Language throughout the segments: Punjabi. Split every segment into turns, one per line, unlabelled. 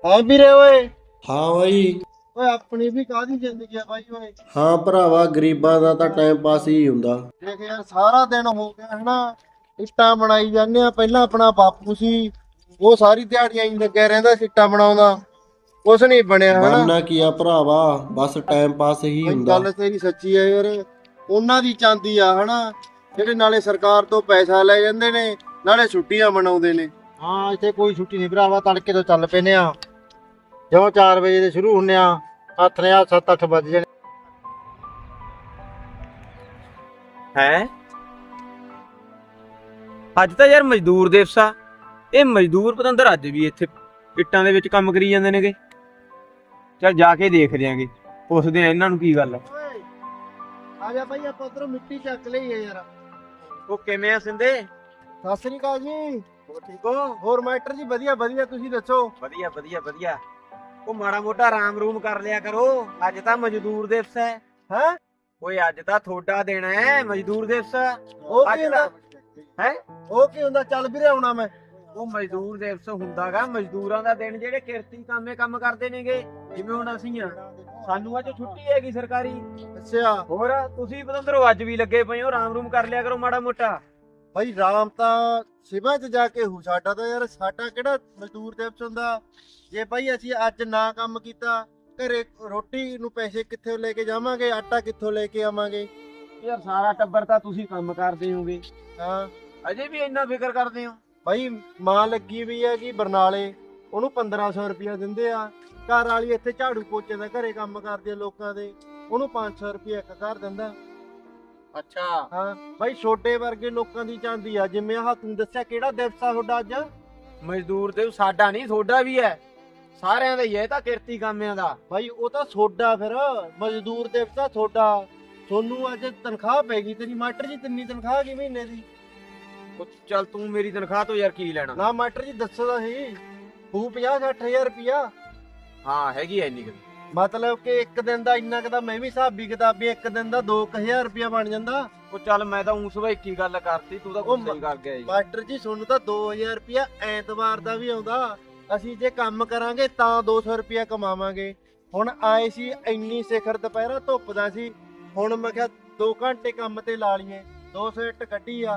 ਹੈ ਵੀਰੇ ਓਏ।
ਹਾਂ ਬਾਈ।
ਓਏ ਆਪਣੀ ਵੀ ਕਾਹਦੀ ਜ਼ਿੰਦਗੀ ਆ ਬਾਈ ਓਏ।
ਹਾਂ ਭਰਾਵਾ, ਗਰੀਬਾਂ ਦਾ ਤਾਂ ਟਾਈਮ ਪਾਸ ਹੀ ਹੁੰਦਾ।
ਦੇਖ ਯਾਰ ਸਾਰਾ ਦਿਨ ਹੋ ਗਿਆ ਹਨਾ, ਇੱਟਾਂ ਬਣਾਈ ਜਾਂਦੇ ਆ। ਪਹਿਲਾਂ ਆਪਣਾ ਬਾਪੂ ਸੀ, ਉਹ ਸਾਰੀ ਦਿਹਾੜੀਆਂ ਹੀ ਲੱਗਿਆ ਰਹਿੰਦਾ ਇੱਟਾਂ ਬਣਾਉਂਦਾ, ਕੁਛ ਨਹੀਂ ਬਣਿਆ ਹਨਾ।
ਬਣਨਾ ਕੀ ਆ ਭਰਾਵਾ, ਬਸ ਟਾਈਮ ਪਾਸ ਹੀ
ਬਾਈ
ਹੁੰਦਾ।
ਗੱਲ ਤੇਰੀ ਸੱਚੀ ਆ ਯਾਰ, ਉਹਨਾਂ ਦੀ ਚਾਂਦੀ ਆ ਹਨਾ, ਜਿਹੜੇ ਨਾਲੇ ਸਰਕਾਰ ਤੋਂ ਪੈਸਾ ਲੈ ਜਾਂਦੇ ਨੇ ਨਾਲੇ ਛੁੱਟੀਆਂ ਮਨਾਉਂਦੇ ਨੇ। ਹਾਂ ਇੱਥੇ ਕੋਈ ਛੁੱਟੀ ਨਹੀਂ ਭਰਾਵਾ, ਤੜਕੇ ਤੋਂ ਚੱਲ ਪੈਨੇ ਆ, ਜਿਉਂ 4 ਵਜੇ ਦੇ ਸ਼ੁਰੂ ਹੁੰਨੇ ਆ, ਹੱਥ ਨੇ 7-8 ਵੱਜ ਜਾਣੇ।
ਹੈ ਅੱਜ ਤਾਂ ਯਾਰ ਮਜ਼ਦੂਰ ਦਿਵਸ ਆ। ਇਹ ਮਜ਼ਦੂਰ ਪਤੰਦਰ ਅੱਜ ਵੀ ਇੱਥੇ ਇੱਟਾਂ ਦੇ ਵਿੱਚ ਕੰਮ ਕਰੀ ਜਾਂਦੇ ਨੇਗੇ। ਚੱਲ ਜਾ ਕੇ ਦੇਖ ਦਿਆਂਗੇ, ਪੁੱਛਦੇ ਆ ਇਹਨਾਂ ਨੂੰ ਕੀ ਗੱਲ ਆ।
ਓਏ ਆ ਜਾ ਬਾਈ, ਆਪਾਂ ਉਧਰੋਂ ਮਿੱਟੀ ਚੱਕ ਲਈਏ ਯਾਰ।
ਉਹ ਕਿਵੇਂ ਆ ਸਿੰਦੇ?
ਸਤਿ ਸ੍ਰੀ ਅਕਾਲ ਜੀ।
ਉਹ ਠੀਕ ਹੋ?
ਹੋਰ ਮਾਸਟਰ ਜੀ ਵਧੀਆ ਵਧੀਆ, ਤੁਸੀਂ ਦੱਸੋ।
ਵਧੀਆ ਵਧੀਆ ਵਧੀਆ। ਉਹ ਮਾੜਾ ਮੋਟਾ ਆਰਾਮ ਰੂਮ ਕਰ ਲਿਆ ਕਰੋ, ਅੱਜ ਤਾਂ ਮਜ਼ਦੂਰ ਦਿਵਸ ਹੈ।
ਹੈ
ਓਏ ਅੱਜ ਤਾਂ ਤੁਹਾਡਾ ਦਿਨ ਹੈ ਮਜ਼ਦੂਰ ਦਿਵਸ।
ਉਹ
ਅੱਜ
ਕੀ ਹੁੰਦਾ?
ਹੈ
ਉਹ ਕੀ ਹੁੰਦਾ? ਚੱਲ ਵੀਰੇ ਆਉਣਾ ਮੈਂ।
ਉਹ ਮਜ਼ਦੂਰ ਦਿਵਸ ਹੁੰਦਾਗਾ ਮਜ਼ਦੂਰਾਂ ਦਾ ਦਿਨ, ਜਿਹੜੇ ਕਿਰਤੀ ਕੰਮ ਕਰਦੇ ਨੇਗੇ। ਜਿਵੇਂ ਹੁਣ ਅਸੀਂ ਆ, ਸਾਨੂੰ ਅੱਜ ਛੁੱਟੀ ਹੈਗੀ ਸਰਕਾਰੀ।
ਅੱਛਾ
ਹੋਰ ਤੁਸੀਂ ਪਤੰਦਰੋ ਅੱਜ ਵੀ ਲੱਗੇ ਪਏ ਹੋ, ਆਰਾਮ ਰੂਮ ਕਰ ਲਿਆ ਕਰੋ ਮਾੜਾ ਮੋਟਾ।
ਭਾਈ ਰਾਮ ਤਾਂ ਸਿਵਾ ਚ ਜਾ ਕੇ ਹੋ, ਸਾਡਾ ਤਾਂ ਯਾਰ ਸਾਡਾ ਕਿਹੜਾ ਮਜ਼ਦੂਰ ਦਿਵਸ ਹੁੰਦਾ। ਜੇ ਭਾਈ ਅਸੀਂ ਅੱਜ ਨਾ ਕੰਮ ਕੀਤਾ, ਘਰੇ ਰੋਟੀ ਨੂੰ ਪੈਸੇ ਕਿੱਥੋਂ ਲੈ ਕੇ ਜਾਵਾਂਗੇ, ਆਟਾ ਕਿੱਥੋਂ ਲੈ ਕੇ ਆਵਾਂਗੇ।
ਯਾਰ ਸਾਰਾ ਟੱਬਰ ਤਾਂ ਤੁਸੀਂ ਕੰਮ ਕਰਦੇ ਹੋਗੇ,
ਹਾਂ
ਅਜੇ ਵੀ ਇੰਨਾ ਫਿਕਰ ਕਰਦੇ ਹੋ।
ਭਾਈ ਮਾਂ ਲੱਗੀ ਵੀ ਹੈ ਕਿ ਬਰਨਾਲੇ, ਉਹਨੂੰ 1500 ਰੁਪਇਆ ਦਿੰਦੇ ਆ। ਘਰ ਵਾਲੀ ਇੱਥੇ ਝਾੜੂ ਪੋਚੇ ਦਾ ਘਰੇ ਕੰਮ ਕਰਦੀ ਆ ਲੋਕਾਂ ਦੇ, ਉਹਨੂੰ 500 ਰੁਪਇਆ ਇੱਕ ਘਰ ਦਿੰਦਾ।
ਅੱਛਾ
ਹਾਂ ਭਾਈ ਛੋਟੇ ਵਰਗੇ ਲੋਕਾਂ ਦੀ ਚਾਂਦੀ ਆ। ਜਿਵੇਂ ਆਹ ਤੂੰ ਦੱਸਿਆ ਕਿਹੜਾ ਦਿਵਸ ਆ ਤੁਹਾਡਾ ਅੱਜ?
ਮਜ਼ਦੂਰ ਤੇ ਸਾਡਾ ਨਹੀਂ ਤੁਹਾਡਾ ਵੀ ਹੈ, ਸਾਰਿਆਂ ਦਾ ਹੀ ਹੈ। ਇਹ ਤਾਂ ਕਿਰਤੀ ਕਾਮਿਆਂ ਦਾ।
ਭਾਈ ਉਹ ਤਾਂ ਤੁਹਾਡਾ, ਫਿਰ ਮਜ਼ਦੂਰ ਦਿਵਸ ਆ ਤੁਹਾਡਾ। ਤੁਹਾਨੂੰ ਅੱਜ ਤਨਖਾਹ ਪੈ ਗਈ ਤੇਰੀ ਮਾਸਟਰ ਜੀ, ਤਿੰਨੀ ਤਨਖਾਹ ਕੀ ਮਹੀਨੇ ਦੀ?
ਉਹ ਚੱਲ ਤੂੰ ਮੇਰੀ ਤਨਖਾਹ ਤੋਂ ਯਾਰ ਕੀ ਲੈਣਾ।
ਨਾ ਮਾਸਟਰ ਜੀ ਦੱਸੋ ਤਾਂ ਸਹੀ, ਹੋਊ 50-60 ਹਜ਼ਾਰ ਰੁਪਇਆ।
ਹਾਂ ਹੈਗੀ ਐ ਇੰਨੀ ਕੁ।
ਮਤਲਬ ਕਿ ਇੱਕ ਦਿਨ ਦਾ ਇੰਨਾ ਕੁ ਤਾਂ ਮੈਂ ਵੀ ਹਿਸਾਬੀ ਕਿਤਾਬੀ, ਇੱਕ ਦਿਨ ਦਾ 2000 ਰੁਪਇਆ ਬਣ ਜਾਂਦਾ।
ਉਹ ਚੱਲ ਮੈਂ ਤਾਂ ਉਸ ਵੇ ਕੀ ਗੱਲ ਕਰਤੀ, ਤੂੰ ਤਾਂ ਗੁੱਸਾ ਹੀ ਕਰ ਗਿਆ ਜੀ।
ਮਾਸਟਰ ਜੀ ਤੁਹਾਨੂੰ ਤਾਂ 2000 ਰੁਪਇਆ ਐਤਵਾਰ ਦਾ ਵੀ ਆਉਂਦਾ। ਅਸੀਂ ਜੇ ਕੰਮ ਕਰਾਂਗੇ ਤਾਂ 200 ਰੁਪਇਆ ਕਮਾਵਾਂਗੇ। ਹੁਣ ਆਏ ਸੀ ਇੰਨੀ ਸਿਖਰ ਦੁਪਹਿਰਾ ਧੁੱਪ ਦਾ ਸੀ, ਹੁਣ ਮੈਂ ਕਿਹਾ 2 ਘੰਟੇ ਕੰਮ ਤੇ ਲਾ ਲਈਏ, 200 ਇੱਟ ਕੱਢੀ ਆ।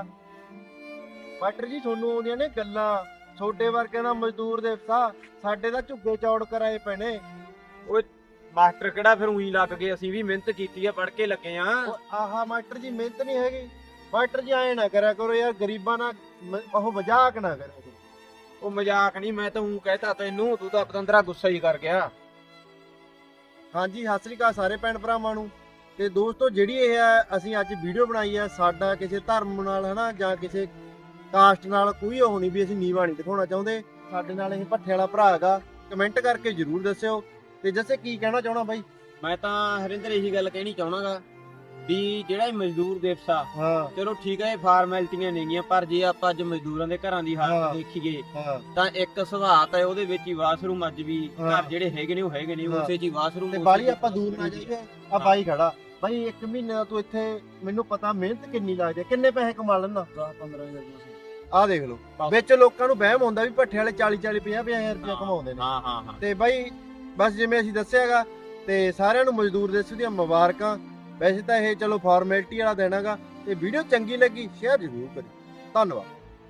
ਮਾਸਟਰ ਜੀ ਤੁਹਾਨੂੰ ਆਉਂਦੀਆਂ ਨੇ ਗੱਲਾਂ, ਛੋਟੇ ਵਰਗਿਆਂ ਦਾ ਮਜ਼ਦੂਰ ਦਿਵਸ ਆ, ਸਾਡੇ ਤਾਂ ਝੁੱਗੇ ਚੌੜ ਕਰਾਏ ਪੈਣੇ।
ਓਏ ਮਾਸਟਰ ਕਿਹੜਾ ਫਿਰ ਉਹੀ ਲੱਗ ਗਏ, ਅਸੀਂ ਵੀ ਮਿਹਨਤ ਕੀਤੀ ਆ, ਪੜ੍ਹ ਕੇ ਲੱਗੇ ਆ।
ਆਹਾ ਮਾਸਟਰ ਜੀ ਮਿਹਨਤ ਨਹੀਂ ਹੈਗੀ। ਮਾਸਟਰ ਜੀ ਐਂ ਨਾ ਕਰਿਆ ਕਰੋ ਯਾਰ, ਗਰੀਬਾਂ ਨਾਲ ਉਹ ਮਜ਼ਾਕ ਨਾ ਕਰਿਆ ਕਰੋ।
ਉਹ ਮਜ਼ਾਕ ਨਹੀਂ, ਮੈਂ ਤਾਂ ਉਹ ਕਹਿਤਾ ਤੈਨੂੰ, ਤੂੰ ਤਾਂ ਪਤੰਦਰਾ ਗੁੱਸਾ ਹੀ ਕਰ ਗਿਆ।
ਹਾਂਜੀ ਸਤਿ ਸ੍ਰੀ ਅਕਾਲ ਸਾਰੇ ਭੈਣ ਭਰਾਵਾਂ ਨੂੰ। ਤੇ ਦੋਸਤੋ ਜਿਹੜੀ ਇਹ ਆ ਅਸੀਂ ਅੱਜ ਵੀਡੀਓ ਬਣਾਈ ਆ, ਸਾਡਾ ਕਿਸੇ ਧਰਮ ਨਾਲ ਹਨਾ ਜਾਂ ਕਿਸੇ ਕਾਸਟ ਨਾਲ ਕੋਈ ਉਹ ਨਹੀਂ ਵੀ ਅਸੀਂ ਨੀਵਾਂ ਨਹੀਂ ਦਿਖਾਉਣਾ ਚਾਹੁੰਦੇ। ਸਾਡੇ ਨਾਲ ਇਹ ਭੱਠੇ ਵਾਲਾ ਭਰਾ ਹੈਗਾ, ਕਮੈਂਟ ਕਰਕੇ ਜਰੂਰ ਦੱਸਿਓ। ਤੇ ਜੱਸੇ ਕੀ ਕਹਿਣਾ ਚਾਹਣਾ ਬਾਈ?
ਮੈਂ ਤਾਂ ਹਰਿੰਦਰ ਇਹੀ ਗੱਲ ਕਹਿਣੀ ਚਾਹਣਾਗਾ ਵੀ ਜਿਹੜਾ ਇਹ ਮਜ਼ਦੂਰ ਦਿਵਸ ਆ,
ਹਾਂ
ਚਲੋ ਠੀਕ ਹੈ ਇਹ ਫਾਰਮੈਲਿਟੀਆਂ ਨੇਗੀਆਂ, ਪਰ ਜੇ ਆਪਾਂ ਅੱਜ ਮਜ਼ਦੂਰਾਂ ਦੇ ਘਰਾਂ ਦੀ
ਹਾਂ।
ਹਾਲਤ ਦੇਖੀਏ
ਹਾਂ
ਤਾਂ ਇੱਕ ਸੁਭਾਅ ਹੈ ਉਹਦੇ ਵਿੱਚ ਹੀ ਵਾਸ਼ਰੂਮ ਅੱਜ ਵੀ
ਹਾਂ।
ਘਰ ਜਿਹੜੇ ਹੈਗੇ ਨੇ ਉਹ ਹੈਗੇ ਨੇ,
ਹਾਂ।
ਉਸੇ ਚ ਹੀ ਵਾਸ਼ਰੂਮ।
ਤੇ ਬਾਲੀ ਆਪਾਂ ਦੂਰ ਨਾ ਜਾਈਏ। ਆ ਬਾਈ ਖੜਾ ਬਾਈ, 1 ਮਹੀਨੇ ਦਾ ਤੂੰ ਇੱਥੇ, ਮੈਨੂੰ ਪਤਾ ਮਿਹਨਤ ਕਿੰਨੀ ਲੱਗਦੀ ਹੈ, ਕਿੰਨੇ ਪੈਸੇ ਕਮਾ ਲੈਂਦਾ?
10-15
ਆਹ ਦੇਖ ਲਓ, ਵਿੱਚ ਲੋਕਾਂ ਨੂੰ ਵਹਿਮ ਹੁੰਦਾ ਵੀ ਭੱਠੇ ਵਾਲੇ 40-40 50-50 ਰੁਪਏ ਕਮਾਉਂਦੇ ਨੇ।
ਹਾਂ ਹਾਂ ਹਾਂ।
ਤੇ ਬਾਈ ਬਸ ਜਿਵੇਂ ਅਸੀਂ ਦੱਸਿਆਗਾ, ਤੇ ਸਾਰਿਆਂ ਨੂੰ ਮਜ਼ਦੂਰ ਦਿਵਸ ਦੀਆਂ ਮੁਬਾਰਕਾਂ। ਵੈਸੇ ਤਾਂ ਇਹ ਚਲੋ ਫਾਰਮੈਲਿਟੀ ਵਾਲਾ ਦੇਣਾ ਗਾ। ਤੇ ਵੀਡੀਓ ਚੰਗੀ ਲੱਗੀ ਸ਼ੇਅਰ ਜ਼ਰੂਰ ਕਰੀ। ਧੰਨਵਾਦ।